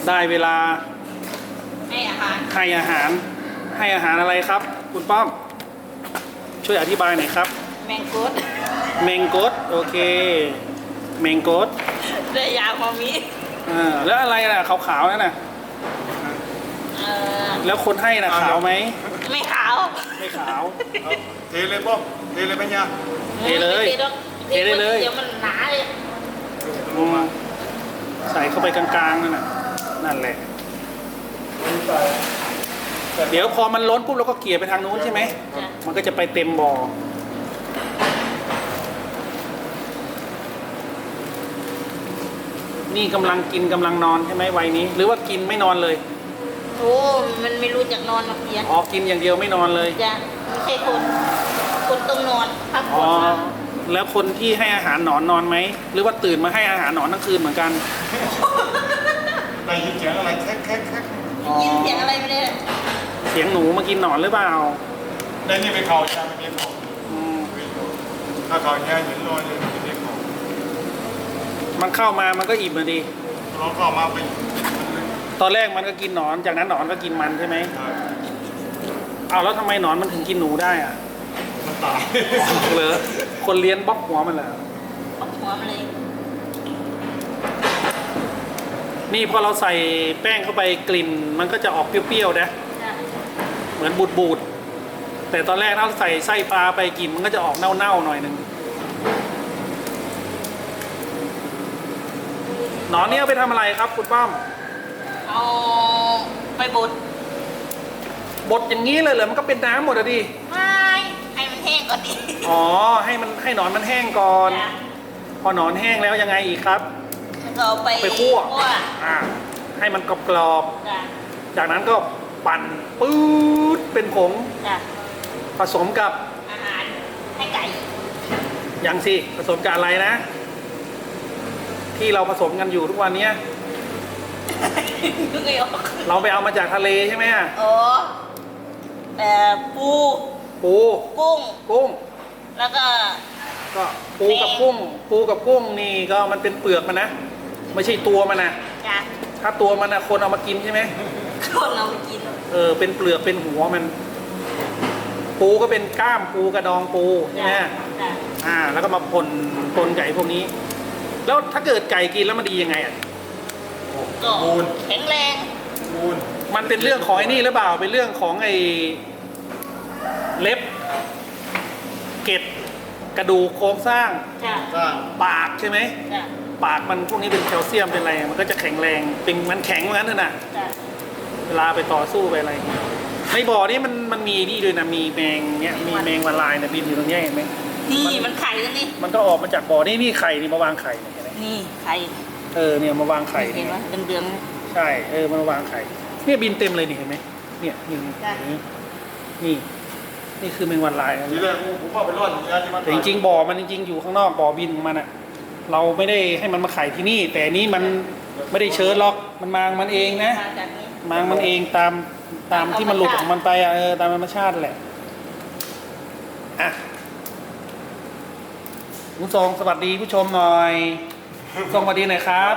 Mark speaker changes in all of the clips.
Speaker 1: ได้เวลา
Speaker 2: ให้อาหาร
Speaker 1: ให้อาหารให้อาหารอะไรครับ คุณป้อมช่วยอธิบายหน่อยครับ
Speaker 2: แมงกด
Speaker 1: แมงกดโอเคแมงกด
Speaker 2: ได้ยาพอมี
Speaker 1: แล้วอะไรน่ะขาวๆนั่นน่ะแล้วคนให้น่ะขาวไหม
Speaker 2: ไม่ขาว
Speaker 1: ไม่ขาว
Speaker 3: เทเลยป้อมเทเลยปัญญา
Speaker 1: เทเลยเทได้เลย
Speaker 2: เดี๋ยวมันหนาเลย
Speaker 1: ใส่เข้าไปกลางๆนั่นน่ะนั่นแหละเดี๋ยวพอมันล้นปุ๊บเราก็เกลี่ยไปทางนู้นใช่ไหมมันก็จะไปเต็มบ่อนี่กำลังกินกำลังนอนใช่ไหมวัยนี้หรือว่ากินไม่นอนเลย
Speaker 2: โอ้มันไม่รู้จักนอนหรอก
Speaker 1: อ๋อกินอย่างเดียวไม่นอนเลย
Speaker 2: จ้ะไม่ใช่คนต้องนอนพักผ่อน
Speaker 1: แล้วคนที่ให้อาหารหนอนนอนไหมหรือว่าตื่นมาให้อาหารหนอนทั้งคืนเหมือนกัน
Speaker 3: ได้ยินเสียงอะไรแคก
Speaker 2: ยินเสียงอะไรไม่ได้
Speaker 1: เสียงหนูมากินหนอนหรือเปล่า
Speaker 3: ได้ยินไปเขาจะไม่เรียกเขาถ้าเขาแค่เห็นลอยเลยไม่เรียกเขา
Speaker 1: มันเข้ามามันก็อิ่มเลยดี
Speaker 3: เราเข้ามาไป
Speaker 1: ตอนแรกมันก็กินหนอนจากนั้นหนอนก็กินมันใช่ไหมเอาแล้วทำไมหนอนมันถึงกินหนูได้อ่ะ
Speaker 3: มันตาย
Speaker 1: เหรอคนเลี้ยงบล็อกหัวมันเหร
Speaker 2: อบล็อกหัวมันเลย
Speaker 1: นี่พอเราใส่แป้งเข้าไปกลิ่นมันก็จะออกเปรี้ยวๆนะเหมือนบูดๆแต่ตอนแรกถ้าใส่ไส้ปลาไปกลิ่นมันก็จะออกเน่าๆหน่อยนึงหนอนนี่เอาไปทำอะไรครับคุณป้อม
Speaker 2: เอาไปบด
Speaker 1: อย่างนี้เลยเหรอมันก็เป็นน้ำหมดอะดิ
Speaker 2: ไม่ให้มันแห้งก่อนดิ
Speaker 1: อ๋อให้หนอนมันแห้งก่อนพอหนอนแห้งแล้วยังไงอีกครับ
Speaker 2: เราไป
Speaker 1: คั่วให้มันกรอบๆจากนั้นก็ปั่นปื๊ดเป็นผงผสมกับ
Speaker 2: อาหารให้ไก่
Speaker 1: ยังสิผสมกับอะไรนะที่เราผสมกันอยู่ทุกวันนี้เราไปเอามาจากทะเลใช่ไหม
Speaker 2: อ๋อปูกุ้งแล้วก็
Speaker 1: ปูกับกุ้งนี่ก็มันเป็นเปลือกมันนะไม่ใช่ตัวมันนะถ้าตัวมันนะคนเอามากินใช่ไหม
Speaker 2: คนเอามากิน
Speaker 1: เป็นเปลือกเป็นหัวมันปูก็เป็นก้ามปูกระดองปูใช่ไหมแล้วก็มาปนไก่พวกนี้แล้วถ้าเกิดไก่กินแล้วมันดียังไงอ่ะ
Speaker 2: ก็แข็งแรง
Speaker 1: มันเป็นเรื่องของไอ้นี่หรือเปล่าเป็นเรื่องของไอ้เล็บเกล็ดกระดูกโครงสร้างปากใช่ไหมปากมันพวกนี้เป็นแคลเซียมเป็นอะไรมันก็จะแข็งแรงเป็นมันแข็งเหมือนกันนะเวลาไปต่อสู้ไปอะไรในบ่อนี้มันมีนี่ด้วยนะมีแมงเนี้ยมีแมงวันลายนะบินอยู่ตรงนี้เห็นไหม
Speaker 2: นี่มันไข่แล้วนี่
Speaker 1: มันก็ออกมาจากบ่อนี่ไข่นี่มาวางไข่
Speaker 2: นี่ไข่
Speaker 1: เนี่ยมาวางไข่
Speaker 2: เห็นไหมเดือน
Speaker 1: ใช่มาวางไข่เนี่ยบินเต็มเลยนี่เห็นไหมเนี่ยนี่คือแมงวันลาย
Speaker 3: ทีแรกผมเข้าไปรอด
Speaker 1: แต่จริงๆบ่อมันจริงๆอยู่ข้างนอกบ่อบินของมันอ่ะเราไม่ได้ให้มันมาไข่ที่นี่แต่นี้มันไม่ได้เชิญหรอกมันมามันเองนะมามันเองตามที่มันหลุดของมันไปตามธรรมชาติแหละคุณทรงสวัสดีผู้ชมหน่อยทรงสวัสดีหน่อยครับ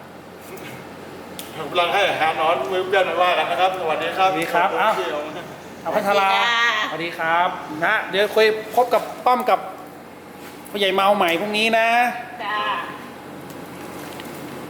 Speaker 3: กำลังให้อาหารนอนมือเบี้ยนว่ากันนะครับสวัสดีครับ
Speaker 1: สวัสดีครับเอาพัทราสวัสดีครับนะเดี๋ยวคุยพบกับป้อมกับผู้ใหญ่เมาใหม่พรุ่งนี้นะ